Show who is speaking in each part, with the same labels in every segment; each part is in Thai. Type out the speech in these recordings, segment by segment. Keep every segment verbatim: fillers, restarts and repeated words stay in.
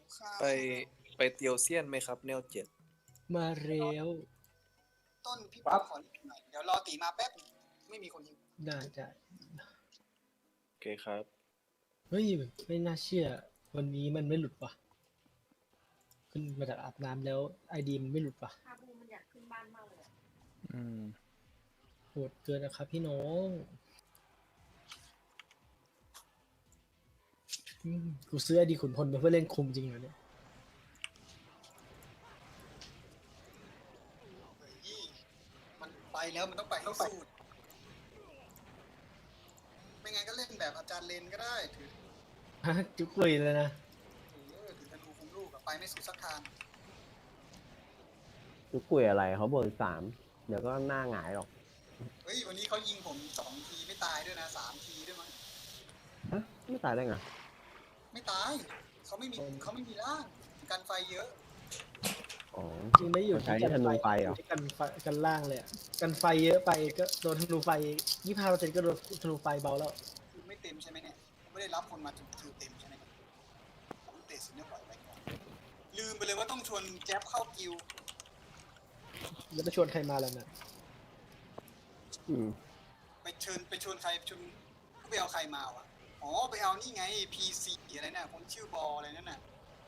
Speaker 1: ไปไปเตียวเซียนไหมครับแนวเจ็ด
Speaker 2: มาเร็ว
Speaker 3: ต้นพี่ป๊อปขอหน่อยเดี๋ยวรอตีมาแป๊บไม่มีคนยิง
Speaker 2: ได้ได้
Speaker 1: โอเคครับ
Speaker 2: เฮ้ยไม่น่าเชื่อวันนี้มันไม่หลุดว่ะขึ้นมาจากอาบน้ำแล้วไอดีมันไม่หลุดว่ะ
Speaker 4: คาบูมันอยากขึ้นบ้านมากเลย
Speaker 1: อืม
Speaker 2: โหดเกินนะครับพี่น้องกูซื้อไอดีขุนพลมาเพื่อเล่นคุมจริงเหรอเนี่ย
Speaker 3: มันไปแล้วมันต้องไปให้สุดไม่งั้นก็เล่นแบบอาจารย์เลนก็ได้ถือ
Speaker 2: ฮะจุกเลยเลยนะ
Speaker 3: ถือถือธนูคุมลูกไปไม่สุดสักทาง
Speaker 5: จุกคุยอะไรเขาเบอร์สามเดี๋ยวก็หน้าหงายหรอก
Speaker 3: เฮ้ยวันนี้เขายิงผมสองทีไม่ตายด้วยนะสามทีด้วยมั้ง
Speaker 5: ฮะไม่ตายได้ไง
Speaker 3: ไม่ตายเขาไม่มีเขาไม่มีร่างกันไฟเยอะ
Speaker 5: อ๋อ
Speaker 2: จริงไม่อยู่
Speaker 5: ที่กันไฟเหรอ
Speaker 2: กันไฟกันล่างเลยกันไฟเยอะไปก็โดนธนูไฟยี่สิบห้าเปอร์เซ็นต์ก็โดนธนูไฟเบาแล้ว
Speaker 3: ไม่เต็มใช่ไหมเนี่ยไม่ได้รับคนมาถือเต็มใช่ไหมผมเตะสิเนี่ยปล่อยไปก่อนลืมไปเลยว่าต้องชวนแจ๊บเข้ากิว
Speaker 2: แล้วไปชวนใครมาแล้วนะ
Speaker 5: อืม
Speaker 3: ไปเชิญไปชวนใครชวนไปเอาใครมาวะอ๋อไปเอานี่ไง พี ซี อะไรน่ะคนชื่อบออะไรนั่นน่ะ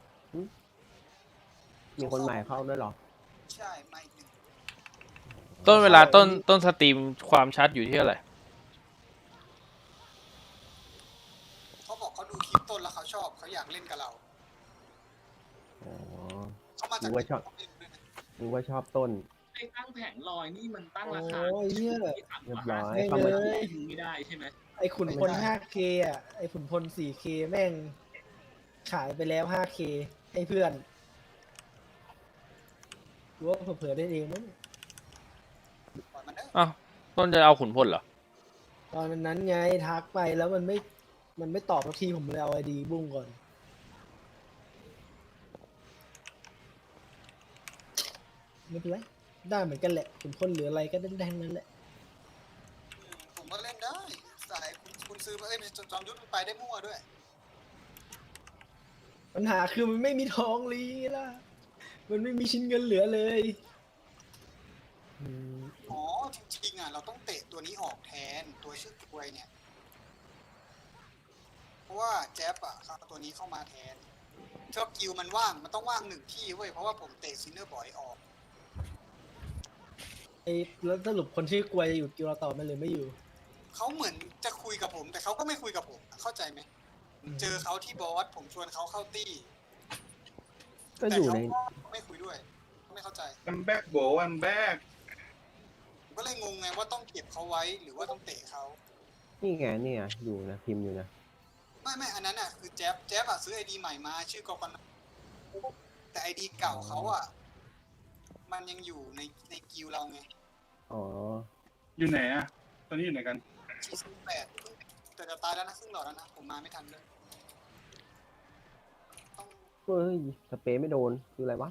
Speaker 5: มีคนใหม่เข้าด้วยหรอ
Speaker 3: ใช่ใหม่หนึ่ง
Speaker 6: ต้นเวลาต้นต้นสตรีมความชัดอยู่ที่เท่าไหร่
Speaker 3: เขาบอกเขาดูคลิปต้นแล้วเขาชอบเขาอยากเล่นกับเรา
Speaker 5: อ๋อ
Speaker 3: เขามาจาก
Speaker 5: รู้ว่าชอบรู้ว่าชอบต้น
Speaker 7: ไอ้ตั้งแผงลอยนี่มันตั้งราคา
Speaker 2: ที่
Speaker 5: เรียบร้อย
Speaker 7: เขาไม่ไม่ได้ใช่ไหม
Speaker 2: ไอ้ขุนพล ห้าเค อ่ะไอ้ขุนพล สี่เค แม่งขายไปแล้ว ห้าเค ให้เพื่อนรู้ว่าเผื่อได้เองมั้ง
Speaker 6: อ้าวต้นจะเอาขุนพลเหรอ
Speaker 2: ตอนนั้นไงทักไปแล้วมันไม่มันไม่ตอบสักทีผมเลยเอาไอดีบุ้งก่อนไม่เป็นไรได้เหมือนกันแหละขุนพลหรืออะไรก็ได้แดงนั้นแหละ
Speaker 3: ผมก็เล่นได้สายคุณคุณซื้อมาเอ้ยจอมยุทธไปได้มั่วด้วย
Speaker 2: ปัญหาคือมันไม่มีทองลีล่ะมันไม่มีชิ้นเงินเหลือเลย
Speaker 3: อ๋อจริงๆอ่ะเราต้องเตะตัวนี้ออกแทนตัวชื่อกล้วยเนี่ยเพราะว่าแจ๊บอ่ะครับตัวนี้เข้ามาแทนชอบกิวมันว่างมันต้องว่างหนึ่งที่เว้ยเพราะว่าผมเตะซินเนอร์บอยออก
Speaker 2: ไอ้แล้วสรุปคนชื่อกล้วยจะอยู่กิวเราต่อมันเลยไม่อยู่
Speaker 3: เขาเหมือนจะคุยกับผมแต่เขาก็ไม่คุยกับผมเข้าใจไหมเจอเขาที่บอสผมชวนเขาเข้าตี้
Speaker 5: ก็อยู่ใน
Speaker 3: ไม่คุยด้วยไม่เข้าใจ
Speaker 8: วันแบกโบวันแบก
Speaker 3: ก็เลยงงไงว่าต้องเก็บเขาไว้หรือว่าต้องเตะเขา
Speaker 5: นี่ไงนี่ไงอยู่นะพิมพ์อยู่นะ
Speaker 3: ไม่ไม่อันนั้นอ่ะคือแจ๊บแจ๊บอ่ะซื้อไอดีใหม่มาชื่อกอกนแต่ไอดีเก่าเขาอ่ะมันยังอยู่ในในกิวเราไง
Speaker 5: อ๋อ
Speaker 8: อยู่ไหนอ่ะตอนนี้อยู่ไหนกัน
Speaker 3: สี่สิบแปดแต่จะตายแล้วนะครึ่งหลอดแล้วนะผมมาไม่ทันเลย
Speaker 5: เฮ้ยสเปรย์ไม่โดนคืออะไรวะ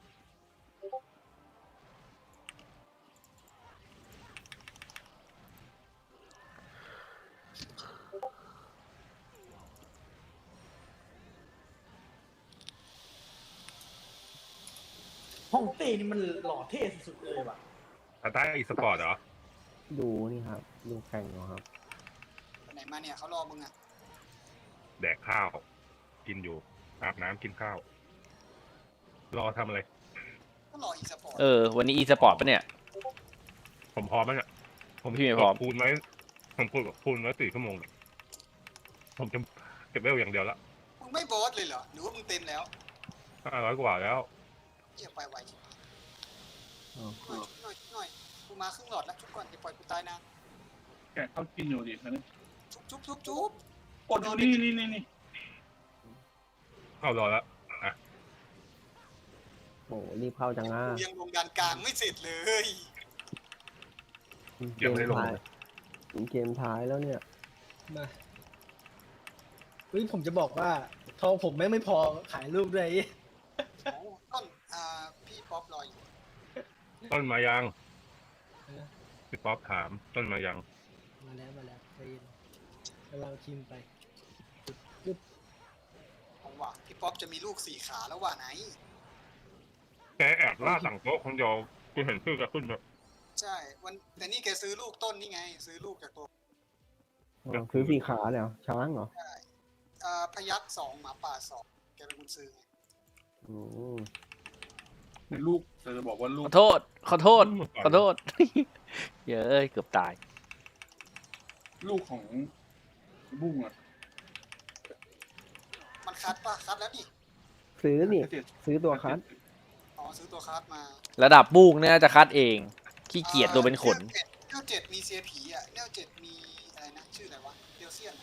Speaker 2: ห้องเต้นี่มันหล่อเท่สุดเลยว่ะ
Speaker 8: อาต้าอีสปอร์ตเหรอ
Speaker 5: ดูนี่ครับดูแข่งเหรอครับ
Speaker 3: ไหนมาเนี่ยเขารอมึงอ่ะ
Speaker 8: แดกข้าวกินอยู่อาบน้ำกินข้าวรอทำอะไร
Speaker 3: ก็รออีสปอร์ต
Speaker 6: เออวันนี้อีสปอร์ตปะเนี่ย
Speaker 8: ผมพร้อมแล้วเนี่ย
Speaker 6: ผมพี่ไม่พร้อม
Speaker 8: คูณไว้ผมคูณคูณไว้สี่ชั่วโมงผมจะเก็บเวลอย่างเดียวละ
Speaker 3: มึงไม่บอสเลยเหรอหรือว่ามึงเต็มแล้ว
Speaker 8: ห้าร้อยกว่าแล้ว
Speaker 3: เกี่ยไปไวหน่อยหน่อยหน่อยกูมาครึ่งหลอดแล้วชุบก่อนจะปล่อยกูตายนะ
Speaker 8: แกเขากินอยู่ดินะ
Speaker 3: ชุบชุบชุบชุบ
Speaker 8: กดนี่นี่นี่นี่เข้ารอแล้วอ่ะ
Speaker 5: โอ้รีบเข้าจังอ่ะ
Speaker 3: ยังลงดานกลางไม่เสร็จเลย
Speaker 5: เกมท้ายเกมท้ายแล้วเนี่ย
Speaker 2: มาเฮ้ยผมจะบอกว่าทองผมแม่งไม่พอขายลูกด้วย
Speaker 3: ต้นอ่าพี่ป๊อปรออยู่
Speaker 8: ต้นมายังพี่ป๊อปถามต้นมายัง
Speaker 2: มาแล้วมาแล้วไปกำลังพิมพ์ไป
Speaker 3: ผมว่ะพี่ป๊อปจะมีลูกสี่ขาแล้วว่ะไหน
Speaker 8: แกแอบล่าสั่งโต๊ะคนเดียวกูเห็นชื่อแกขึ้นแบบ
Speaker 3: ใช่วันแต่นี่แกซื้อลูกต้นนี่ไง ซื้อลูกจากตัว
Speaker 5: อ๋อซื้อสี่ขาเลยเหรอช้างเหรอ
Speaker 3: อ่าพยัคฆ์สองหมาป่าสองแกเป็นคนซื้อไง
Speaker 5: อืม
Speaker 9: ลูกจะจะบอกว่าลู
Speaker 6: ข
Speaker 9: ก
Speaker 6: อโทษ ขอโทษ ขอโทษ เยอะเกือบตาย
Speaker 9: ลูกของบุ้งอ่ะ
Speaker 3: มันคัดป่ะคัดแล้วนี่
Speaker 5: ซื้อนี่ ซื้อตัวคัส
Speaker 3: อ๋อซื้อตัวคัดมา
Speaker 6: ระดับบุ้งเนี่ยจะคัดเอง ขี้เกียจตัวเป็นขน
Speaker 3: เนวเจ็ดมีเซียผีอ่ะเนวเจ็ดมีอะไรนะชื่ออะไรวะเดียวเซียน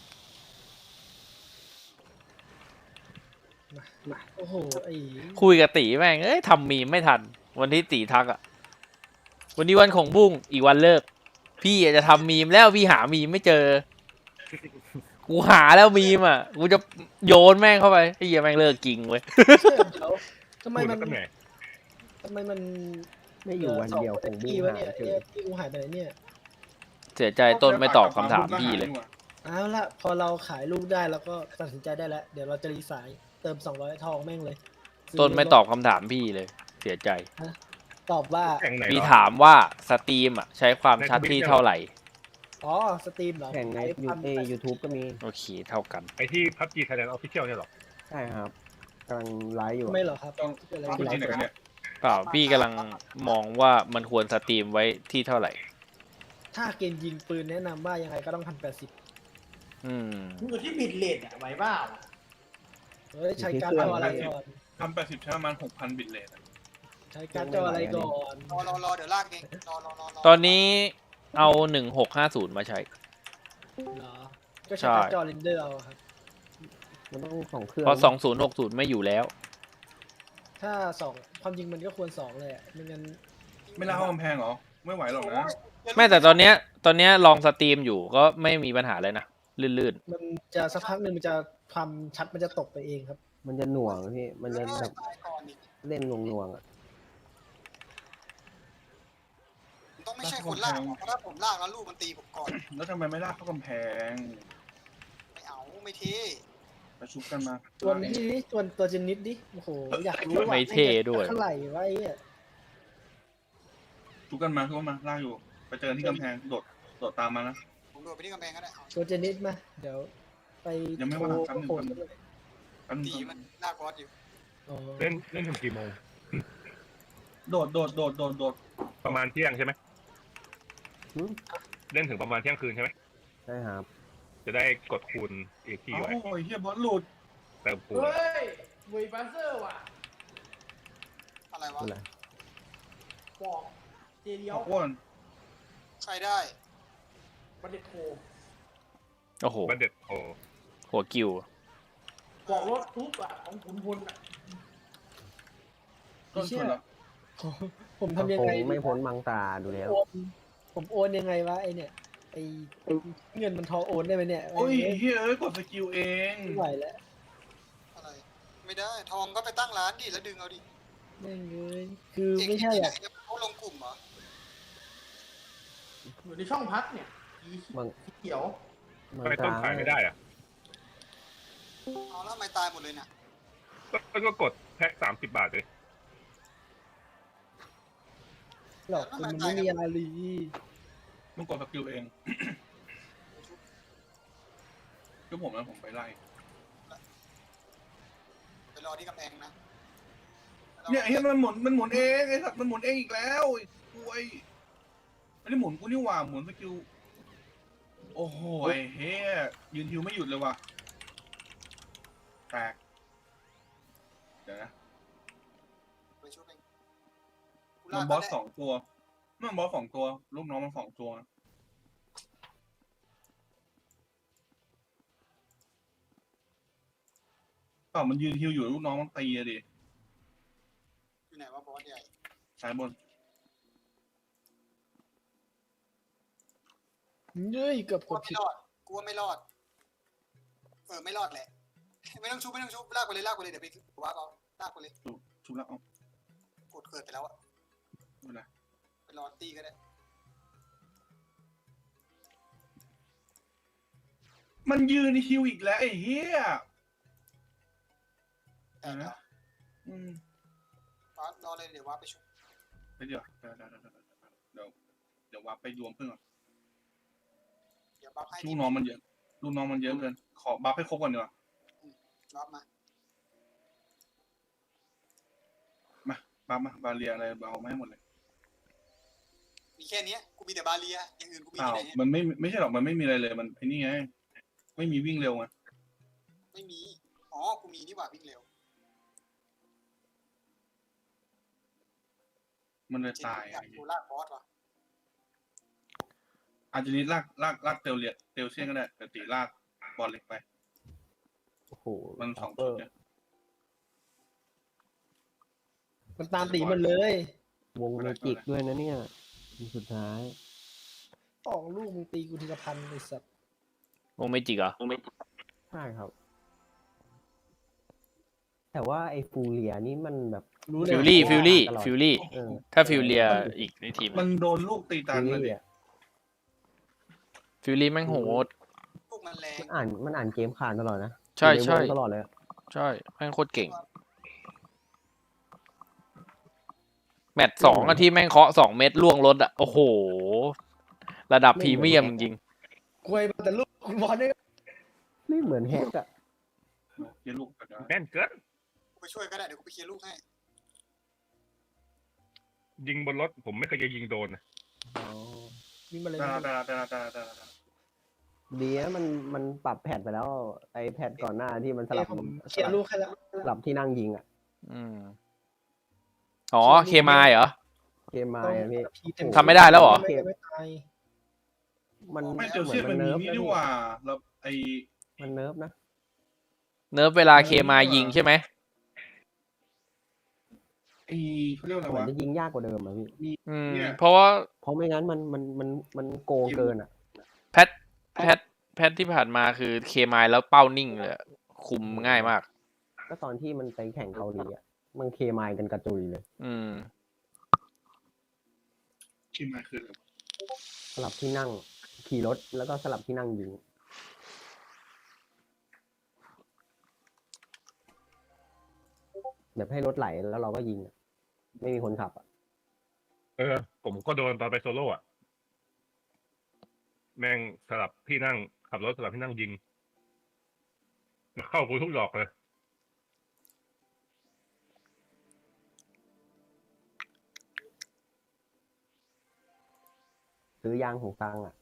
Speaker 2: มามาโอ้โหไอ้
Speaker 6: คุยกับตีแม่ง เอ้ยทำมีมไม่ทัน วันที่ตีทักอะวันนี้วันของบุ้งอีกวันเลิก พี่อาจจะทำมีมแล้วพี่หามีมไม่เจอ กูหาแล้วมีมอ่ะ กูจะโยนแม่งเข้าไปไอ้เหี้ยแม่งเลิกกิงเว้ย
Speaker 2: เชื่อเดี๋ยวทำไม
Speaker 8: พูด
Speaker 2: มั
Speaker 8: แล้
Speaker 2: น
Speaker 8: วก็เหนื่อย
Speaker 2: ทำไมมัน
Speaker 5: ไม่อยู่วันเดียวคงบุ้ง
Speaker 2: วะ
Speaker 5: หา
Speaker 2: เนี่ย
Speaker 5: เจ
Speaker 2: เนี่
Speaker 5: อย
Speaker 2: พี่กูหายไปไหนเนี่ย
Speaker 6: เสียใจต้นไม่ตอบคำถามพี่เลย
Speaker 2: เอาละพอเราขายลูกได้แล้วก็ตัดสินใจได้แล้ว เดี๋ยวเราจะรีสายเติมสองร้อยทองแม่งเลยซื้
Speaker 6: ต้นไม่ตอบคำถามพี่เลย เสียใจ
Speaker 2: ตอบว่า
Speaker 8: แข่งไหน
Speaker 6: พี่
Speaker 8: เหรอ
Speaker 6: ถามว่าสตรีมอ่ะ ใช้ความชัดที่เท่าไหร่
Speaker 2: อ๋อสตรีมเหรอ
Speaker 5: แข่งในยูเอยูทูบก็มี
Speaker 6: โอเคเท่ากัน
Speaker 8: ไอที่พับจีไทยแลนด์ออฟฟิเชียลเนี่ยเหรอ
Speaker 5: ใช่ครับกำลังไลฟ์อยู่
Speaker 2: ทำไม่เหรอครับ
Speaker 9: ต้อง
Speaker 2: เกิดอะไร
Speaker 9: ต้อง
Speaker 2: ขึ้น
Speaker 9: ที่ไหนกันเนี่ย
Speaker 6: เปล่าพี่กำลังมองว่ามันควรสตรีมไว้ที่เท่าไหร่
Speaker 2: ถ้าเกมยิงปืนแนะนำว่ายังไงก็ต้องพันแปดสิบ
Speaker 6: อืม
Speaker 10: อยู่ที่บิดเลทอะไหวเปล่า
Speaker 2: เฮ้ยใช้การ์ดจออะไรก่อน
Speaker 9: ทำแปดสิบใช้ประมาณหกพันบิตเลทอะ
Speaker 2: ใช้การ์ดจออะไรก่อน
Speaker 3: รอรอรอเดี๋ยวลากเองรอรอรอรอ
Speaker 6: ตอนนี้เอาหนึ่งหกห้าศูนย์มาใช้
Speaker 2: เหรอก็
Speaker 6: ใช่
Speaker 2: ใช้การ์ดจอเรนเดอร์เอาครับ
Speaker 5: มันต้องสองเครื่อง
Speaker 6: เพราะสองศูนย์หกศูนย์ไม่อยู่แล้ว
Speaker 2: ถ้าสองความจริงมันก็ควรสองเลยอะไม่งั้น
Speaker 9: ไม่ล่าเข้ากำแพงเหรอ ไม่ไหวหรอกนะ
Speaker 3: โย
Speaker 6: ไม่แต่ตอนเนี้ย ตอนเนี้ยลองสตรีมอยู่ก็ไม่มีปัญหาเลยนะ ลื่น
Speaker 2: มันจะสักพักหนึ่งมันจะความชัดมันจะตกไปเองครับ
Speaker 5: มันจะหน่วงพี่ มันจะ
Speaker 3: เออ
Speaker 5: แบบ
Speaker 3: ตายก่อนอีก
Speaker 5: เล่นหน่วงๆอ่ะ
Speaker 3: มันต้องไม่ใช่คนลากหรอกเพราะถ้าผมลากแล้วลูกมันตีผมก่อน
Speaker 9: แล้วทำไมไม่ล่ากเข้ากำแพง
Speaker 3: ไม่เอาไม่เท่
Speaker 9: ไปชุบกันมา
Speaker 2: ตัวนี้ดิตัวตัวเจนนิดดิโอ้โหอยากรู้ว่า
Speaker 6: ไม่เท่ด้วย
Speaker 2: เท่าไหร่วะไอ้เนี่ย
Speaker 9: ชุบกันมาชุบกันมาล่ากอยู่ ไปเจอที่กำแพงโดดโดดตามมานะ
Speaker 3: ผมโดดไปที่กำแพงก็ได้เอา
Speaker 2: ตัวเจนนิดมาเดี๋ยวไป
Speaker 9: ยังไม่ว่างแป๊บนึง
Speaker 2: โทรโทร
Speaker 9: แป๊บนึ
Speaker 3: ตี
Speaker 9: ง
Speaker 3: มันลากบอสอยู่
Speaker 2: อ๋อ
Speaker 8: เล่นเล่นถึงกี่โมง
Speaker 9: โดดโดดโดดโดดโดด
Speaker 8: ประมาณเที่ยงใช่ไหม
Speaker 5: หืม
Speaker 8: เล่นถึงประมาณเที่ยงคืนใช่ไหม
Speaker 5: ใช่ครับ
Speaker 8: จะได้กดคูณอีกที
Speaker 9: โอ้
Speaker 8: ไว้
Speaker 9: ยเฮียบอสหลุด
Speaker 8: เติมคูณ
Speaker 10: เฮ้ยเวยบัสเซอร์ว่ะ
Speaker 3: อะไรวะ
Speaker 5: อะไร
Speaker 10: บอกเจเดียว
Speaker 9: ขออ้วน
Speaker 3: ใครได้
Speaker 10: บันเด็ดโทร
Speaker 6: ๆ โอ้โห
Speaker 8: บันเด็ดโอ้
Speaker 6: หัวกิว
Speaker 10: บอกรถทุบอ่ะของขุนพลอ่ะ
Speaker 9: ต้นชนแล้ว
Speaker 2: ผม
Speaker 5: เขา
Speaker 2: ทำยัง
Speaker 5: คง
Speaker 2: ไง
Speaker 5: ไม่พ้นมังตาดูแล้ว
Speaker 2: โอนผมโอนยังไงวะไอเนี่ยไอเงินมันทอโอนได้ไหมเนี่ย
Speaker 9: โอ้ยเฮียเอ้ยกดสกิลเอง
Speaker 2: ไม่ไหวแล้ว
Speaker 3: อะไร ไม่ได้ทองก็ไปตั้งร้านดิแล้วดึงเอาดิ
Speaker 2: แม่งเลยคือ
Speaker 3: เอง
Speaker 2: ไม่ใช่
Speaker 3: ที่ไหน
Speaker 2: อ่ะ
Speaker 3: เนี่ยเขาลงกลุ่มเหรอ
Speaker 10: อยู่ในช่องพักเนี่ยสี
Speaker 5: มัง
Speaker 10: สีเขียว
Speaker 5: มัง
Speaker 8: ทำไมต้
Speaker 5: ตาน
Speaker 8: ขายไม่ได้อะ
Speaker 3: เอาแล้วทำไมตายหมดเลยน่ะ
Speaker 8: ก็ก็กดแพ็คสามสิบบาทเลย
Speaker 2: หรอกคือมันไม่มีอะไรเลย
Speaker 9: มึงกดสกิลเองก็ผมนะผมไปไล่
Speaker 3: ไปรอที่กำแพงนะ
Speaker 9: เนี่ยไอ้เหี้ยมันหมุนมันหมุนเองไอ้สัตว์มันหมุนเองอีกแล้วไอ้กล้วยไม่ได้หมุนกูนี่หว่าหมุนสกิลโอ้โหไอ้เฮ้ยยืนฮิวไม่หยุดเลยว่ะแตกเดี๋ยวนะ
Speaker 3: ไปช่วยเองกู
Speaker 9: มั
Speaker 3: ลาน ก
Speaker 9: บอส
Speaker 3: ก็ได้
Speaker 9: สองตัวมันบอสสองตัวลูกน้องมันสองตัวเปล่ามันยืนฮิวอยู่ลูกน้องมันตีอะดิ
Speaker 3: อยู่ไหนวะบอสใหญ่
Speaker 9: สายบน
Speaker 2: เย้ยเกือบ
Speaker 3: กู
Speaker 2: กด
Speaker 3: ว่าไม่
Speaker 2: ผิด
Speaker 3: รอดกูว่าไม่รอดเออไม่รอดแหละ ไม่ต้องชุบไม่ต้องชุบลากไปเลยลากไปเลยเดี๋ยวไปว่าเอาลากไปเลย
Speaker 9: ชุบชุบแล้วเอา
Speaker 3: กดเกิดไปแล้วอะ
Speaker 9: ไม่เป็นไร
Speaker 3: ไปรอตีก็ได้
Speaker 9: มันยืนฮิวอีกแล้วไอ้เหี้ย
Speaker 3: แต่เดี๋ยว
Speaker 9: อืม
Speaker 3: รอรอเลยเดี๋ยวว่าไปช่วย
Speaker 9: ไปเดี๋ยวเดี๋ยวเดี๋ยวเดี๋ยวเดี๋ยวเดี๋ยววับไปรวมเพื่อนก่อน
Speaker 3: เดี๋ยวบัฟให้
Speaker 9: ลูกน้องมันเยอะลูกน้องมันเยอะเกินขอบัฟให้ครบก่อนดีกว่า
Speaker 3: บัฟมา
Speaker 9: มาบัฟมาบาเรียอะไรเอามาให้หมดเลย
Speaker 3: มีแค่เนี้ยกูมีแต่บาเรียอย่างอื่นกูมี
Speaker 9: อ้าว
Speaker 3: ที่ไหนเนี่ย
Speaker 9: มันไม่ไม่ใช่หรอกมันไม่มีอะไรเลยมันไอ้นี่ไงไม่มีวิ่งเร็วไง
Speaker 3: ไม่มีอ๋อกูมีนี่หว่าวิ่งเร็ว
Speaker 9: มันเลย
Speaker 3: เจน
Speaker 9: ตาย
Speaker 3: อยากกูลากบอสว่ะ
Speaker 9: อาจจะนี้ลากลากลากเตลเลียเตลเซียนก็ได้แต่ตีลากบอลเล็กไป
Speaker 5: โอ้โห
Speaker 9: มันสอง
Speaker 5: เป
Speaker 9: จุ
Speaker 5: อ
Speaker 9: ด
Speaker 5: ร์
Speaker 9: เนี่ย
Speaker 2: มันตามตีมันเลย
Speaker 5: วงเมจิกด้วยนะเนี่ยสุดท้าย
Speaker 2: สองลูกมึงตีกูทีละพันไอ้สัตว์
Speaker 6: วงไม่จิกเหรอ
Speaker 5: ใช่ครับ แต่ว่าไอ้ฟูเรียนี่มันแบบ
Speaker 2: รู้เลย
Speaker 6: ฟิลลี่ฟิลลี่
Speaker 5: ตลอด
Speaker 6: ฟิลลี่
Speaker 5: เออ
Speaker 6: ถ้าฟิลเลียอีกในทีม
Speaker 9: มันโดนลูกตีตัน
Speaker 5: ฟิล
Speaker 9: เลย
Speaker 5: ลี่
Speaker 9: ดิ
Speaker 5: อะ
Speaker 6: ฟิลลี่แม่งโหด
Speaker 3: พวกมันแรง
Speaker 5: มันอ่านมันอ่านเกมขาดตลอดนะ
Speaker 6: ใช่
Speaker 5: อยู่น
Speaker 6: ใช่
Speaker 5: วงตลอดเลยอะ
Speaker 6: ใช่แม่งโคตรเก่ง แมตช์สองอะที่แม่งเคาะสองเม็ดล่วงรถอะโอ้โห ระดับพรีเมียมจริง
Speaker 2: กวยมาแต่ลูกบอลเนี่ย
Speaker 5: ไม่เหมือนแฮกอะ
Speaker 9: เยลูกกระดาษ
Speaker 8: แน่นเกิน
Speaker 3: กูไปช่วยก็ได้เดี๋ยวกูไปเคลียร์ลูกให้
Speaker 8: ยิงบนรถผมไม่เคยจะยิงโดนนะ
Speaker 2: วิ่งมาเลย
Speaker 9: ตาตาตาตาตาตา
Speaker 5: ดีนะมันมันปรับแพทไปแล้ว ไอ้แพทก่อนหน้าที่มันส
Speaker 2: เอ้
Speaker 5: ลั
Speaker 2: ย
Speaker 5: บ
Speaker 2: ผมเคลียร์ลูกให้แล้ว
Speaker 5: สลับที่นั่งยิงอะ
Speaker 6: ๆอืมอ๋อเคมายเหรอ
Speaker 5: เกมมาอะพี่
Speaker 2: พีเต็ม
Speaker 6: ทำไม่ได้แล้วเหรอ
Speaker 2: ไม่ไม่ตาย
Speaker 5: มัน
Speaker 9: ไม่เตล
Speaker 5: เหมือ
Speaker 9: เซีย
Speaker 5: น
Speaker 9: น
Speaker 5: มั
Speaker 9: มัน นมี
Speaker 5: เนิร์ฟ
Speaker 9: นี่
Speaker 5: นะ
Speaker 9: ดี
Speaker 5: พี่
Speaker 9: กว่าแล้วไอ
Speaker 5: มันเนิร์ฟนะ
Speaker 6: เนิร์ฟเวลาเคมายยิงใช่ไหม
Speaker 9: ไอเขาเรียกว่าอะไร
Speaker 5: เหมือน
Speaker 9: วะ
Speaker 5: จะยิงยากกว่าเดิมอะพี่
Speaker 6: อืม
Speaker 9: เนี่ย
Speaker 6: เพราะว่า
Speaker 5: เพราะไม่งั้นมันมันมันมันโกงเกินอะ
Speaker 6: แพทแพทแพทที่ผ่านมาคือเคมายแล้วเป้านิ่งเลยอะคุมง่ายมาก
Speaker 5: ก็ตอนที่มันไปแข่งเกาหลีอะมันเคมายกันกระจุยเลย
Speaker 6: อืม
Speaker 9: คิมมาคืออะไรวะ
Speaker 5: สลับที่นั่งขี่รถแล้วก็สลับที่นั่งยิงแบบให้รถไหลแล้วเราก็ยิงอะไม่มีคนขับอะ
Speaker 8: เออ ผมก็โดนตอนไปโซโล่อะแม่งสลับที่นั่งขับรถสลับที่นั่งยิงเข้ากูทุกดอกเลย
Speaker 5: ซื้อยางหูฟังอะ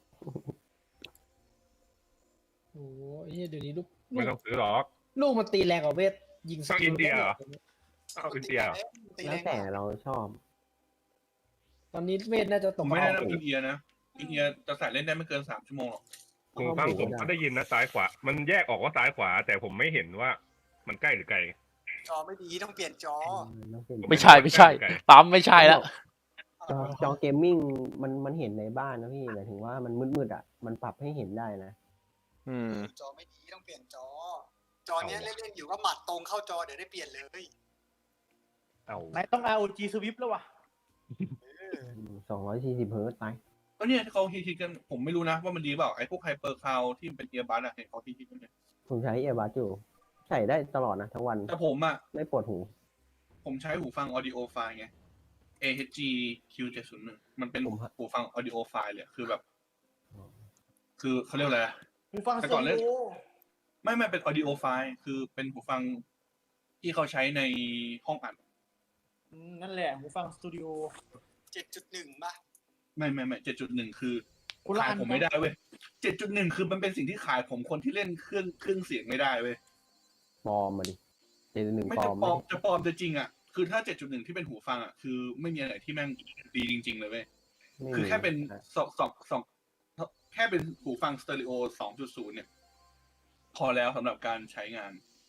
Speaker 2: โอ้โหเฮ้ยเดี๋ยวนี้ลูกลู
Speaker 8: ไม่
Speaker 2: ก
Speaker 8: ต้องซื้อหรอก
Speaker 2: ลูกมันตีแรงกว่าเวทยิงส
Speaker 8: ต้องอินเดียเหรอ เอาอินเดียเหรอ
Speaker 3: ตี
Speaker 5: แล้ว
Speaker 3: รง
Speaker 5: แต่
Speaker 3: มาก
Speaker 5: เราชอบ
Speaker 2: ตอนนี้เวทน่าจะต
Speaker 9: ผ
Speaker 2: ก
Speaker 9: มไม่ได้
Speaker 2: เอา
Speaker 9: นับอินเดียนะอินเดียจะใส่เล่นได้ไม่เกินสามชั่วโมงหรอก
Speaker 8: หูฟังผมก็ได้ยินนะซ้ายขวา มันแยกออกว่าซ้ายขวา แต่ผมไม่เห็นว่ามันใกล้หรือไกล
Speaker 3: จอไม่ดีต้องเปลี่ยนจอ
Speaker 6: ไม่ใช่ไม่ใช่ ปั๊มไม่ใช่แล้ว
Speaker 5: จอจอเกมมิ่งมันมันเห็นในบ้านนะพี่หมายถึงว่ามันมืดๆอ่ะมันปรับให้เห็นได้นะ
Speaker 6: อืม
Speaker 3: จอไม่ดีต้องเปลี่ยนจอ จอเนี้ยเล่นๆอยู่ก็หมัดตรงเข้าจอเดี๋ยวได้เปลี่ยนเลย
Speaker 8: เอา
Speaker 10: ไหนต้อง อาร์ โอ จี Swift แล้ววะ
Speaker 5: สองร้อยสี่สิบเฮิร์ตซ์ไป
Speaker 9: แล้วเนี่ยที่เขาฮิตๆกันผมไม่รู้นะว่ามันดีเปล่าไอ้พวกไฮเปอร์คาวที่เป็นเอียร์บัสอะเห็นเขาฮิตๆกันเนี่ย
Speaker 5: ผมใช้เอบัสอยู่ใส่ได้ตลอดนะทั้งวัน
Speaker 9: แต่ผมอะ
Speaker 5: ไม่ปวดหู
Speaker 9: ผมใช้หูฟัง audio file ไง เอ เอช จี คิว เจ็ดศูนย์หนึ่ง มันเป็น
Speaker 5: ผมฮะ
Speaker 9: หูฟัง audio file เลยอะคือแบบ คือเขาเรียกอะไรอะ
Speaker 10: หูฟัง
Speaker 9: แต่
Speaker 10: ส
Speaker 9: ก่อ
Speaker 10: ตู
Speaker 9: นเล่น
Speaker 10: ดิโอ
Speaker 9: ไม่ไม่เป็น audio file คือเป็นหูฟังที่เขาใช้ในห้องอัด
Speaker 10: อืมนั่นแหละหูฟังสตูดิโอ
Speaker 3: เจ็ดจุดหนึ่งป่ะ
Speaker 9: ไม่ไม่ไม่เจ็ดจุดหนึ่งคือ
Speaker 10: คุณละ
Speaker 9: ขาย
Speaker 10: อัน
Speaker 9: ผมไม่ได้เว้ยเจ็ดจุดหนึ่งคือมันเป็นสิ่งที่ขายผมคนที่เล่นเครื่องเครื่องเสียงไม่ได้เว้ย
Speaker 5: ปลอมมาดิเจนหนึ่ง
Speaker 9: ไม่
Speaker 5: ปล
Speaker 9: จะ
Speaker 5: อม
Speaker 9: ปลอม
Speaker 5: ไหม
Speaker 9: จะปลอมจะจริงอ่ะ คือถ้า เจ็ดจุดหนึ่ง ที่เป็นหูฟังอ่ะ คือไม่มีอะไรที่แม่งดีจริง ๆ เลยเว้ย
Speaker 5: ไม่
Speaker 9: คือ
Speaker 5: มี
Speaker 9: แค่เป็น
Speaker 5: อ่ะ
Speaker 9: สองสองสองแค่เป็นหูฟังสเตอริโอ สองจุดศูนย์ เนี่ย พอแล้วสำหรับการใช้งาน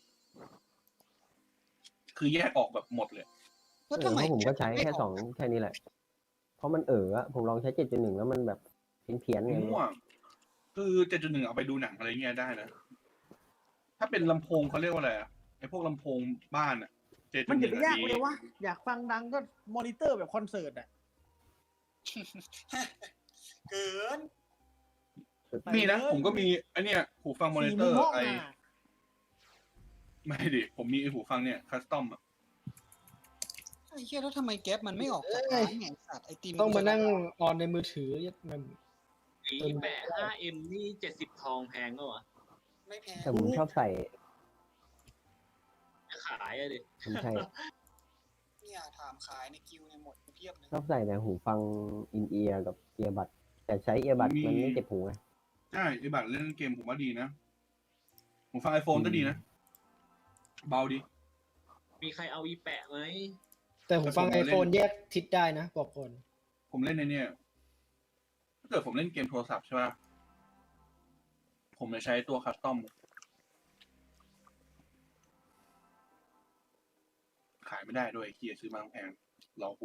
Speaker 9: คือแยกออกแบบหมดเลย
Speaker 5: เออเพราะผมก็ใช้แค่สองแค่นี้แหละ เพราะมันเอออะผมลองใช้เจ็ดจุดหนึ่งแล้วมันแบบเพี้ยนๆไง
Speaker 9: มั่วคือ เจ็ดจุดหนึ่ง เอาไปดูหนังอะไรเงี้ยได้นะ ถ้าเป็นลำโพงเขาเรียกว่าอะไรอ่ะ ไอพวกลำโพงบ้านอ่ะ
Speaker 10: มันอย่าไปยาก
Speaker 9: ดี
Speaker 10: เลยวะอยากฟังดังก็มอนิเตอร์แบบคอนเสิร์ตอ่ะ
Speaker 3: เกิน
Speaker 9: มีนะ ผมก็มีไอเนี้ยหูฟังมอนิเตอร์
Speaker 10: สี่มุมห้อง
Speaker 9: ไอ
Speaker 10: อะ
Speaker 9: ไม่ดิผมมีไอ้หูฟังเนี่ยคัสตอมอ่ะ
Speaker 3: ไอ้เหี้ยแล้วทำไมแก๊ปมันไม่ออกจากร้านไงสัตว์ไอติม
Speaker 2: ต้องมานั่งออนในมือถือมัน
Speaker 7: ไอ้แปะ ห้าเอ็ม นี่เจ็ดสิบทองแพงก็วะ
Speaker 3: ไม่แพง
Speaker 5: แต่ผมชอบใส่
Speaker 7: จะขายอะดิ
Speaker 5: ผมใช่
Speaker 3: เนี่ยถามขายในกิวเนี่ยหมดเพียบเลย
Speaker 5: ชอบใส่แต่หูฟังอินเอียร์กับเอียบัดแต่ใช้เอียบัดมันไม่เจ็บหูไง
Speaker 9: ใช่ไอ้บัตรเล่นเกมผมว่าดีนะผมฟังไอโฟนก็ดีนะ เบาดี
Speaker 7: มีใครเอาอีแปะไหม
Speaker 2: แต่ผมฟังไอโฟนแยกทิศได้นะบอกก่อน
Speaker 9: ผมเล่นในเนี่ยถ้าเกิดผมเล่นเกมโทรศัพท์ใช่ป่ะผมจะใช้ตัวคัสตอมขายไม่ได้ด้วยเคียซื้อมาแพงรอหู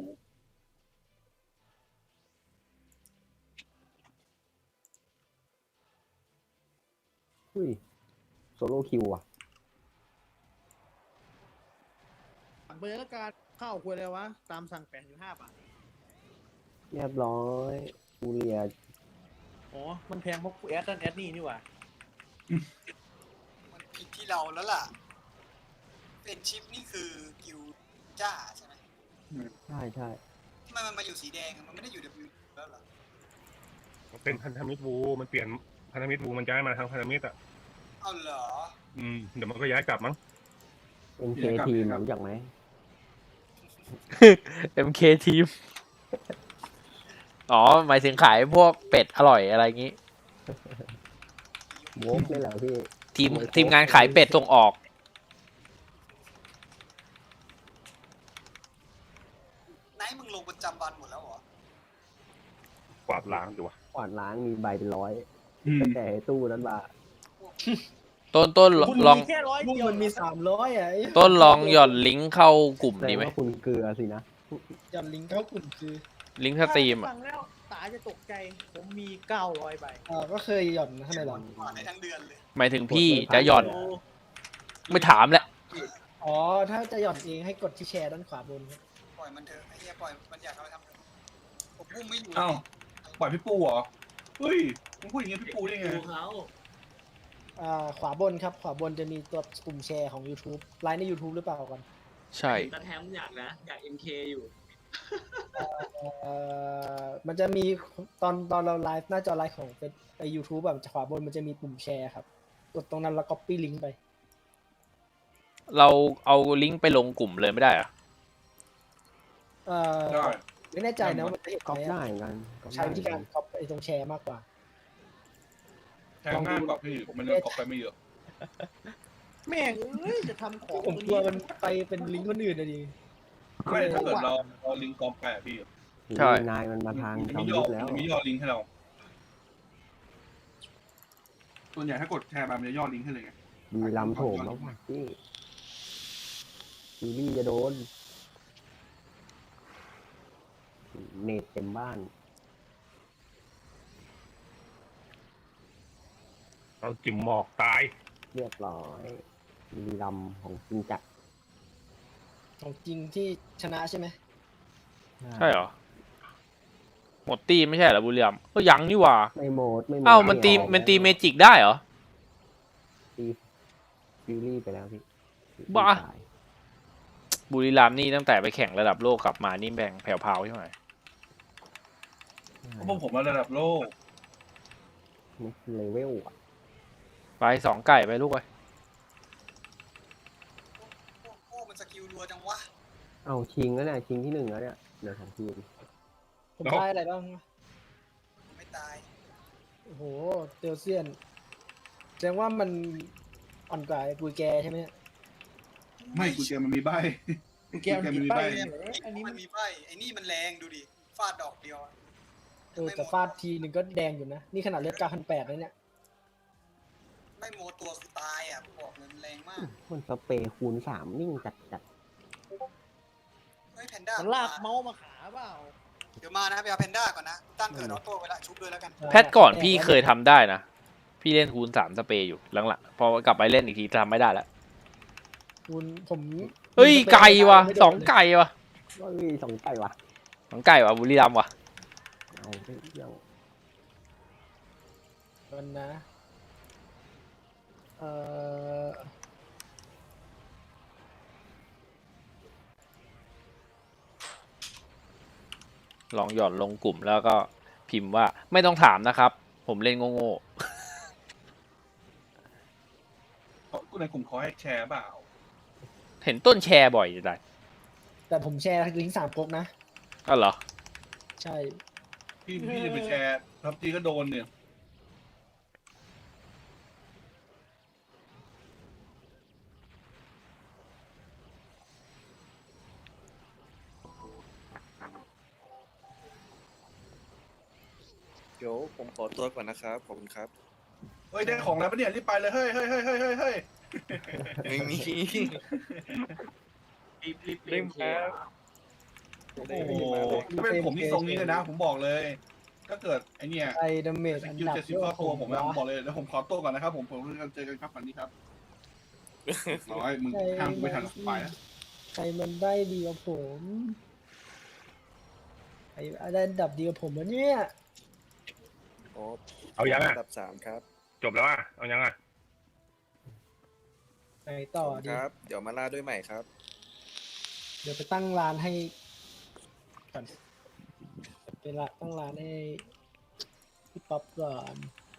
Speaker 5: อุ้ยโซโล่คิวอ่ะ
Speaker 10: เบอร์ละการข้าวควรเลยวะ ตามสั่งแปดอยู่ห้าบาท
Speaker 5: เรียบร้อยกูเรีย
Speaker 10: อ๋อ มันแพงเพราะกูแอดนั่นแอดนี่นี่หว่า
Speaker 3: มันผิดที่เราแล้วล่ะ เป็นชิปนี่คือกิวจ้าใช่ไหม
Speaker 5: ใช่ใช่
Speaker 3: ทำไมมันมาอยู่สีแดงอะมันไม่ได้อยู่ W แล้วเหรอ
Speaker 8: เป็นพันธมิตรวูมันเปลี่ยนพันธมิตรวูมันย้ายมาทางพันธมิตรอ่ะ
Speaker 3: เอาเหรอ
Speaker 8: อืมเดี๋ยวมันก็ย้ายกลับมั้ง
Speaker 5: เอ็มเคทีมรู้จักไหม
Speaker 6: เอ็ม เค ทีม อ๋อ หมายถึงขายพวกเป็ดอร่อยอะไรอย่างงี้
Speaker 5: โวกนี่แหละพี่
Speaker 6: ทีมทีมงานขายเป็ดส่งออก
Speaker 3: ไหนมึงลงประจำวันหมดแล้วเหรอ
Speaker 8: กวาดล้างอยู่วะ
Speaker 5: กวาดล้างมีใบเป็นร้อย
Speaker 9: อืม
Speaker 5: ตั้งแต่ไอ้ตู้นั้นมา
Speaker 6: ต้นต้น
Speaker 10: คุณ
Speaker 6: ลอง
Speaker 10: มีแค่ร้อย
Speaker 2: ลูก
Speaker 10: เดียว
Speaker 2: มันมีสามร้อยอ่ะไอ้
Speaker 6: ต้นลองหย่อนลิงก์เข้ากลุ่ม
Speaker 5: แสด
Speaker 6: ดี
Speaker 5: ง
Speaker 6: ไหม
Speaker 5: ว่าคุณเกลือสินะ
Speaker 2: หย่อนลิงก์เข้ากลุ่มคือ
Speaker 6: ลิงก์สตรีม
Speaker 10: ฟั
Speaker 6: อ่ะ
Speaker 10: งแล้วตาจะตกใจ ผมมีเก้าร้อยใบ
Speaker 2: อ่าก็เคยหย่อนนะทำไมหรอ
Speaker 3: ผ่านได้ทั้งเดือนเลย
Speaker 6: หมายถึงพี่จะหย่อน ไม่ถามแหละ
Speaker 2: อ๋อ ถ้าจะหย่อนเองให้กดที่แชร์ด้านขวาบนครับ
Speaker 3: ปล่อยมันเถอะไอ้เหี้ยปล่อยมันอยากทำอะไรทำเถอะผมบุ้มไม่อยู่
Speaker 9: เอ้าปล่อยพี่ปูเหรอเฮ้ยมึงพูดอย่างงี้พี่ปูได้ไง
Speaker 7: ดูเขา
Speaker 2: อ่าขวาบนครับ ขวาบนจะมีตัวปุ่มแชร์ของ YouTube ไลน์ใน YouTube หรือเปล่าก่อน
Speaker 6: ใช่
Speaker 7: ตาแทมอยากนะ อยาก เอ็ม เค อยู่
Speaker 2: เอ่อมันจะมีตอนตอนเราไลฟ์หน้าจอไลฟ์ของเป็นไอยูทูบแบบขวาบนมันจะมีปุ่มแชร์ครับ กดตรงนั้นแล้ว copy link ไป
Speaker 6: เราเอาลิงก์ไปลงกลุ่มเลยไม่ได้เหรอะ
Speaker 2: เอ่อ
Speaker 9: ได้
Speaker 2: ไม่แน่ใจนะว่ามันจะเห็น
Speaker 5: ก๊อป
Speaker 2: ไหม
Speaker 5: ได้
Speaker 2: อะ
Speaker 5: เหมือนกันก๊อป
Speaker 2: ใช้
Speaker 5: ได้
Speaker 2: วิธีการ copy ไอตรงแชร์มากกว่า
Speaker 9: แทงง่ายกว่าพี่มันยังกรอบไปไม่เยอะ
Speaker 10: แม่งเอ้ย จะทำของ
Speaker 2: ผมกลัวมันไปเป็นลิงก์คนอื่นนะดิ
Speaker 9: ไม่ถ้าเกิดเราเราลิงก์กรอบไปอะพี่
Speaker 6: ใช่
Speaker 5: นายมันมาทาง
Speaker 9: มัน
Speaker 5: จอม
Speaker 9: มีย่
Speaker 5: ยุ
Speaker 9: อ
Speaker 5: ทธแล้ว
Speaker 9: มันมีย่อลิงก์ให้เราส่วนใหญ่ถ้ากดแชร์ไปมันจะย่อลิงก์ให้เลยไง
Speaker 5: มีลำโถมแล้วว่ะพี่ซีรีส์จะโดน เน็ตเต็มบ้าน
Speaker 8: เราจิมหมอกตาย
Speaker 5: เรียบร้อยมีลำของจริงจักร
Speaker 2: ของจริงที่ชนะใช่ไหม
Speaker 6: ใช่เหรอ หมดตีไม่ใช่เหรอบุรีรัมย์ก็ยังนี่หว่า
Speaker 5: ไม่โหมดไม่โหมด
Speaker 6: เอ้ามันตี
Speaker 5: ไออก
Speaker 6: มันตีเมจิกได้เหรอ
Speaker 5: ตีฟิวรี่ไปแล้วพี่
Speaker 6: บ้า
Speaker 5: ตย
Speaker 6: บุรีรัมย์นี่ตั้งแต่ไปแข่งระดับโลกกลับมานี่แบ่งแผ่วๆใช่ไหม
Speaker 9: เพราะพวกผมมาระดับโลก
Speaker 5: นี่เลเวลอ่ะ
Speaker 6: ไปสองไก่ไปลูกไป
Speaker 3: โอ้โหมันสกิลรัวจังวะ
Speaker 5: เอาชิงแล้วเนี่ยชิงที่หนึ่งแล้วเนี่ยเดี๋ยวของทีม
Speaker 2: ผม
Speaker 9: แล้ว
Speaker 2: ได้อะไรบ้าง
Speaker 3: ไม่ตาย
Speaker 2: โอ้โหเตลเซียนแสดงว่ามันอ่อนกว่าไอ้ปุยแกใช่ไหมเนี่ย
Speaker 9: ไม่กูเจอมันมีใบ
Speaker 10: กูแกมันมีใบเนี่ยเหรออันนี้
Speaker 3: มั
Speaker 10: มัน น
Speaker 3: มีใบไอ้นี่มันแรงดูดิ ฟาดดอกเดียวอะ
Speaker 2: เออแต่ฟาดทีหนึ่งก็แดงอยู่นะ นี่ขนาดเลือดเก้าพันแปดเลยเนี่ย
Speaker 3: ไม่โมตัวคือตายอ่ะบอกเลยมันแรงมาก
Speaker 5: มันสเปรย์คูณสามนิ่งจัดจัด
Speaker 3: เฮ้ยแพนด้า
Speaker 10: มันลากเมาส์มาขาเปล่า
Speaker 3: เดี๋ยวมานะไปเอาแพนด้าก่อนนะ ตั้งเกิดออโต้ไว้ละชุบด้วยแล้วกัน
Speaker 6: แพทก่อนพี่เคยทำได้นะ พี่เล่นคูณสามสเปรย์อยู่หลังๆพอกลับไปเล่นอีกทีทำไม่ได้แล้ว
Speaker 2: คุณผม
Speaker 6: เฮ้ยไก่ว่ะสองไก่ว่ะ
Speaker 5: ก็มีสองไก่วะ
Speaker 6: สองไก่ว่ะบุรีรัมย์ว่ะ
Speaker 5: เอาไปเที่ยว
Speaker 2: มันนะ เอ่อ
Speaker 6: ลองหย่อนลงกลุ่มแล้วก็พิมพ์ว่าไม่ต้องถามนะครับ ผมเล่นโง่
Speaker 9: ในกลุ่มเขาให้แชร์เปล่า
Speaker 6: ๆเห็นต้นแชร์บ่อยจะได้
Speaker 2: แต่ผมแชร์ลิงก์สามก๊กนะ
Speaker 6: ก็เหรอ
Speaker 2: ใช่
Speaker 9: พี่พี่จะไปแชร์ทับจีก็โดนเนี่ย
Speaker 1: เดี๋ยวผมขอตัวก่อนนะครับขอบคุณครับ
Speaker 9: เฮ้ยได้ของแล้วปะเนี่ยรีบไปเลยเฮ้ยเฮ้ยเฮ้ยเฮ้ยเฮ้ยเฮ้ย
Speaker 1: ไม่มี
Speaker 7: รีบรีบ
Speaker 1: เร่ง
Speaker 7: เคลียร์
Speaker 9: โอ้โหถ้าเป็นผมที่ทรงนี้เลยนะ ผมบอกเลย ถ้าเกิดไอเนี่ย
Speaker 2: ไอดาเมจ
Speaker 9: ส
Speaker 2: อัน
Speaker 9: กิล
Speaker 2: ดับ
Speaker 9: เจ็ดสิบ
Speaker 2: เย
Speaker 9: เข้า
Speaker 2: อะ
Speaker 9: ตัวผมนะ
Speaker 2: วะ
Speaker 9: ผมบอกเลยแล้วผมขอตัวก่อนนะครับผมผมเจอกันครับวันนี้ครับน้อยมึงห้ามกูไม่ทันไปนะ
Speaker 2: ใครมันได้ดีกว่าผมใครได้อันดับดีกว่าผมวะเนี่ย
Speaker 1: โอ้
Speaker 8: เอายัง
Speaker 1: อั
Speaker 8: อ่ะ
Speaker 1: นดับสามครับ
Speaker 8: จบแล้วอ่ะเอายังอ่ะ
Speaker 2: ไปต่อ
Speaker 1: ขอบคุณ
Speaker 2: ดิ
Speaker 1: ครับ เดี๋ยวมาล่าด้วยใหม่ครับ
Speaker 2: เดี๋ยวไปตั้งร้านให้ก่อนไปละตั้งร้านให้พี่ป๊อปก่อน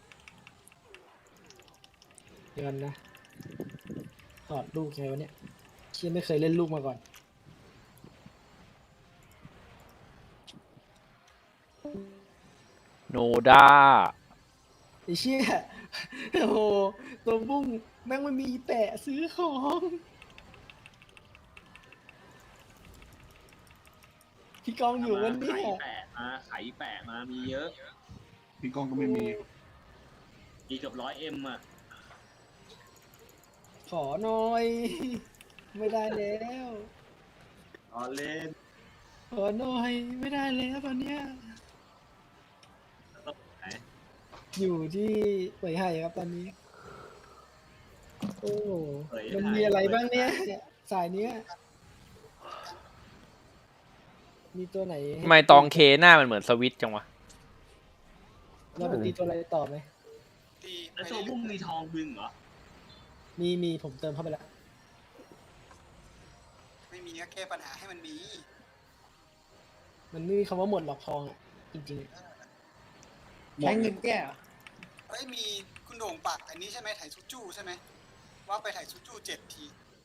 Speaker 2: เดี๋ยวกันนะถอดลูกไงวะเนี่ยเชี่ยไม่เคยเล่นลูกมาก่อน
Speaker 6: โนด้า
Speaker 2: ไอ้เชี่ย โอ้โหตัวบุ้งแม่งไม่มีแปะซื้อของพี่กองอยู่วันนี้
Speaker 7: ไข่แปะมาไข่แปะมามีเยอะ
Speaker 9: พี่กองก็ไม่มี
Speaker 7: มีเกือบร้อยเอ็มอ่ะ
Speaker 2: ขอหน่อย ไม่ได้แล้ว
Speaker 7: รอเล่น
Speaker 2: ขอหน่อยไม่ได้แล้วตอนเนี้ย
Speaker 7: ต้องไหน
Speaker 2: อยู่ที่เป่ยไห่ครับตอนนี้ โอ้โห
Speaker 7: เผย
Speaker 2: มัน
Speaker 7: หาย
Speaker 2: มีอะไรบ้างเนี่ยสายเนี้ย มีตัวไหนให้
Speaker 6: ทำไมตองเคหน้ามันเหมือนสวิตช์จังวะ
Speaker 2: เราไปตีตัวอะไรต่อไหม
Speaker 3: ตีไป
Speaker 7: แล้วตัว
Speaker 3: เรื่
Speaker 7: บุ้ง
Speaker 3: อย
Speaker 7: มีทองบึงเหรอ
Speaker 2: มีมีผมเติมเข้าไปแล้ว
Speaker 3: ๆไม่มีก็แก้ปัญหาให้มันมี
Speaker 2: มันไม่มีคำว่าหมดหรอกทองอะจริง
Speaker 9: หม
Speaker 10: ใช้
Speaker 9: ด
Speaker 10: เงินแก้เหรอ
Speaker 3: เฮ้ยมีคุณโด่งปากอันนี้ใช่ไหมไถซุจูใช่ไหมว่าไปไถซุจูเจ็ดที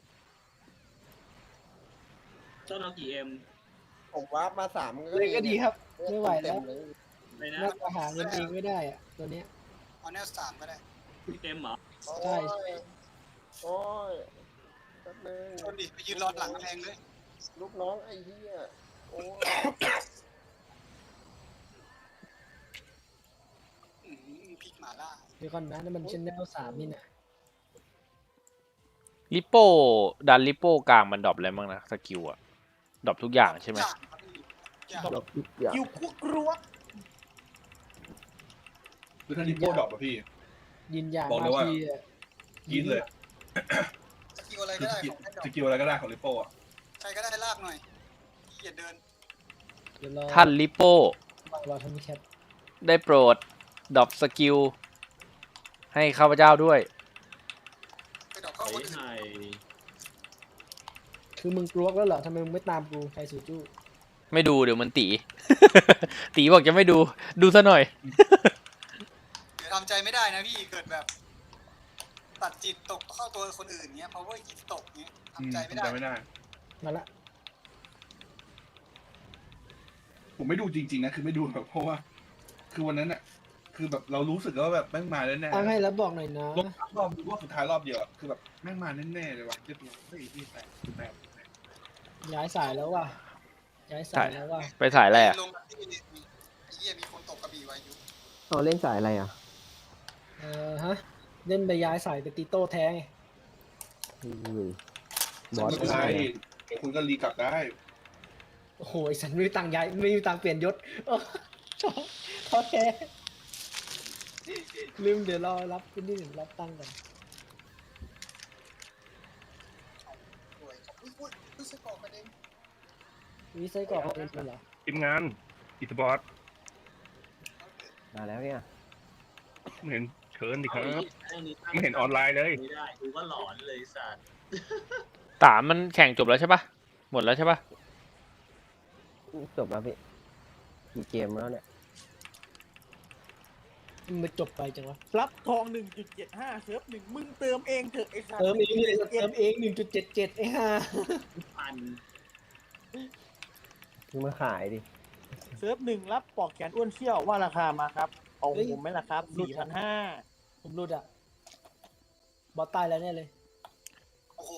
Speaker 7: เจ้าน้องกี่เอ็ม
Speaker 5: ผมว่ามาสาม
Speaker 2: ๆเลยก็ดีครับ ไม่ไหวแล้ว
Speaker 7: ไม่นะ
Speaker 2: น่าจะหาเงินเองไม่ได้อะตัวเนี้ย
Speaker 3: เอาแนวสามก็ได้
Speaker 7: เต็มเหรอ
Speaker 2: ใช่
Speaker 5: โอ้ยแป๊บนึง
Speaker 3: ชนดิไปยืนรอหลังกำแพงเลย
Speaker 5: ลูกน้องไอ้เหี้ยโอ้ย
Speaker 3: อื้อหือพริกหมาล่า
Speaker 2: เดี๋ยวก่อนนะนั่นมันเชนแนลสามนี่นะ
Speaker 6: ลิโป้ดันลิโป้กลางมันดรอปอะไรบ้างนะสกิลอะดรอปทุกอย่างใช่ไหม
Speaker 3: อย่างครับพี่อย่าง
Speaker 5: ดอกทุกอย่าง
Speaker 10: อยู่คุกรัว
Speaker 9: คือถ้าดิโป้ดรอปอะพี่
Speaker 2: ยินอย่าง
Speaker 9: บอกเลยว่า
Speaker 2: ทีอะ
Speaker 9: กินเลย
Speaker 3: สกิลอะไร
Speaker 9: คือ
Speaker 3: ก็
Speaker 9: ส
Speaker 3: ได้
Speaker 9: กิล
Speaker 3: ของแค่ดอก
Speaker 9: สกิลอะไรก็ได้ของลิโป้อะ
Speaker 3: ใครก็ได้ลากหน่อยขี้อย่าเดิน
Speaker 2: เดี๋ยวรอ
Speaker 6: ท่านลิโป้
Speaker 2: รอทำแคป
Speaker 6: ได้โปรดดรอปสกิลให้ข้าพเจ้าด้วย
Speaker 3: ไปดอกเข้า
Speaker 7: ไข่
Speaker 3: คนอื่น
Speaker 7: ไข่
Speaker 2: คือมึงกลัวแล้วเหรอทำไมมึงไม่ตามกูใครสูจู้
Speaker 6: ไม่ดูเดี๋ยวมันตี ตีบอกจะไม่ดูดูซะหน่อย
Speaker 3: เดี๋ยวทำใจไม่ได้นะพี่เกิดแบบ ตัดจิตตกเข้าตัวคนอื่นเงี้ย power จิตตกเงี้ย
Speaker 9: อืม
Speaker 3: ทำใจไม่ได้
Speaker 9: ทำไม่ได้
Speaker 2: มาละ
Speaker 9: ผมไม่ดูจริงๆนะคือไม่ดูแบบเพราะว่า คือวันนั้นอะคือแบบเรารู้สึกว่าแบบแม่งมาแน่ๆ
Speaker 2: ตั้งให้แล้วบอกหน่อยนะ
Speaker 9: รอบรอบรอบสุดท้ายรอบเดียวอะคือแบบแม่งมาแน่ๆเลยว่ะเรียบร้อยเฮ้ยพี่แปดแปด
Speaker 2: ย้ายสายแล้วว่ะย้ายสายแล้วว่ะ
Speaker 6: ไปถ่ายอะไรอะ
Speaker 3: ลงมาที่นี่ไอ้เหี้ยมีคนตกกระบี่ไว้อยู่
Speaker 5: เราเล่นสายอะไรอ่ะ
Speaker 2: เออฮะเล่นไปย้ายสายไปตีโต้แท้ไง
Speaker 5: อุ้ยบ
Speaker 9: ไม่
Speaker 5: อส
Speaker 9: เป็นไรเดี๋ยวคุณก็รีกลับได้
Speaker 2: โอ้โหไอ้สันไม่มีตังค์ย้ายไม่มีตังค์เปลี่ยนยศ โอ้ท้อท้อแท้ลืมเดี๋ยวรอรับคุณนี่รับตังค์ก่อน
Speaker 3: สวยอุ้ยอุ้ยอุ้ยสกอร์ประเด็น
Speaker 2: มีไส้กรอกเอาเองเลยเหรอ
Speaker 8: ทีมงานอีสปอร์ต
Speaker 5: มาแล้วเนี่ย
Speaker 8: ไม่เห็นเชิญดิครับ
Speaker 7: เอาอีกอันนี้ตั้ง
Speaker 8: ไม่เห็นออนไลน์เลย
Speaker 7: ไม่ได้ดูก็หลอนเลยสัตว์
Speaker 6: สามมันแข่งจบแล้วใช่ปะหมดแล้วใช่ปะ
Speaker 5: จบแล้วพี่กี่เกมแล้วเนี่ย
Speaker 2: มันจบไปจังวะ
Speaker 10: รับทองหนึ่งจุดเจ็ดห้าเซิร์ฟหนึ่งมึงเติมเองเถอะไอ้สัตว์
Speaker 2: เติมเองเลยเติมเองหนึ่งจุดเจ็ดเจ็ดไอ้ห่า
Speaker 7: พัน
Speaker 5: มึงมาขายดิ
Speaker 10: เซิร์ฟหนึ่งรับปลอกแขนอ้วนเชี่ยวว่าราคามาครับเอาผมไหมล่ะครับสี่พันห้า
Speaker 2: ผมรุดอ่ะ บอสตายแล้วเนี่ยเลย
Speaker 3: โอ้โห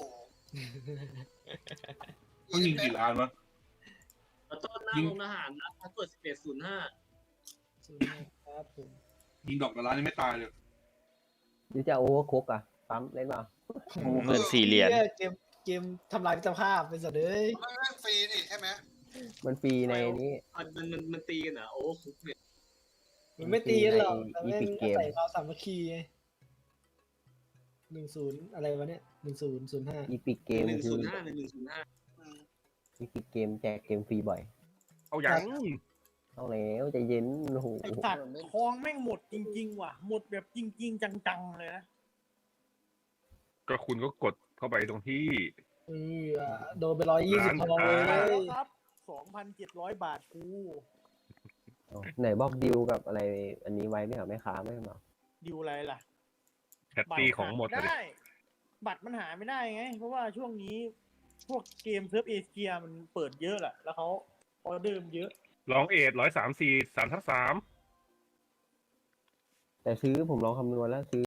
Speaker 9: มันยิงกี่ล้านวะ
Speaker 7: แล้วต้นหน้าโรงทหารนะพาสเวิร์ดสิบเอ็ดศูนย์ห้า
Speaker 2: ครับผม
Speaker 9: ยิงดอกละล้านยังไม่ตายเลย
Speaker 5: หรือจะโอเวอร์คุกอ่ะ ปั๊มเล่นเปล่า
Speaker 6: เงินสี่เหรียญ
Speaker 2: หี้เกมเกมทำลายมิตรภาพเป็นสัตว์เลย
Speaker 3: มันเล่นฟรีนี่ใช่ไหม
Speaker 5: มันฟรีในนี้
Speaker 7: มันมันมันมันตีกันเหรอโอ้คุกเนี่ย
Speaker 2: มันไม่ตีกันหรอกแต่
Speaker 5: อี
Speaker 2: แม่
Speaker 5: พิ
Speaker 2: ง
Speaker 5: กเกม
Speaker 2: ใส่ความสามัคคีไงหนึ่งศูนย์อะไรวะเนี่ยหนึ่งศูนย์ศูนย์ห้า
Speaker 5: อีพิกเกม
Speaker 7: หนึ่ง
Speaker 5: คื
Speaker 7: ศู
Speaker 5: อน
Speaker 7: ย์ห้าหนึ่งหนึ่งศูนย์ห้า
Speaker 3: อืม
Speaker 5: อีพิกเกมแจกเกมฟรีบ่อย
Speaker 8: เอาอย่าง
Speaker 5: เอาแล้วใจเย็นโอ้โห
Speaker 10: ไอ้สัตว์ทองแม่งหมดจริงๆว่ะ หมดแบบจริง ๆ จังๆเลยนะ
Speaker 8: ก็คุณก็กดเข้าไปตรงที่
Speaker 2: เอออ่ะโดนไปร้อยยี่สิบ
Speaker 8: ร้าน
Speaker 2: ทองเล
Speaker 8: ค้า
Speaker 10: แล้ว
Speaker 2: ย
Speaker 10: ครับสองพันเจ็ดร้อยบาทกู
Speaker 5: เอาไหนบอกดิวกับอะไร อันนี้ไว้ไม่เหรอไม่ค้าไม่เหรอ
Speaker 10: ดิวอะไรล่ะ
Speaker 8: แคตตี้ของหมด
Speaker 10: บัตร
Speaker 8: เลย
Speaker 10: หาไได้ บัตรมันหาไม่ได้ไง เพราะว่าช่วงนี้พวกเกมเซิร์ฟเอเชียมันเปิดเยอะแหละ แล้วเขาออเดอร์มันเยอะ
Speaker 8: ลองเอทร้อยสามสี่สามทับสาม
Speaker 5: แต่ซื้อผมลองคำนวณแล้วซื้อ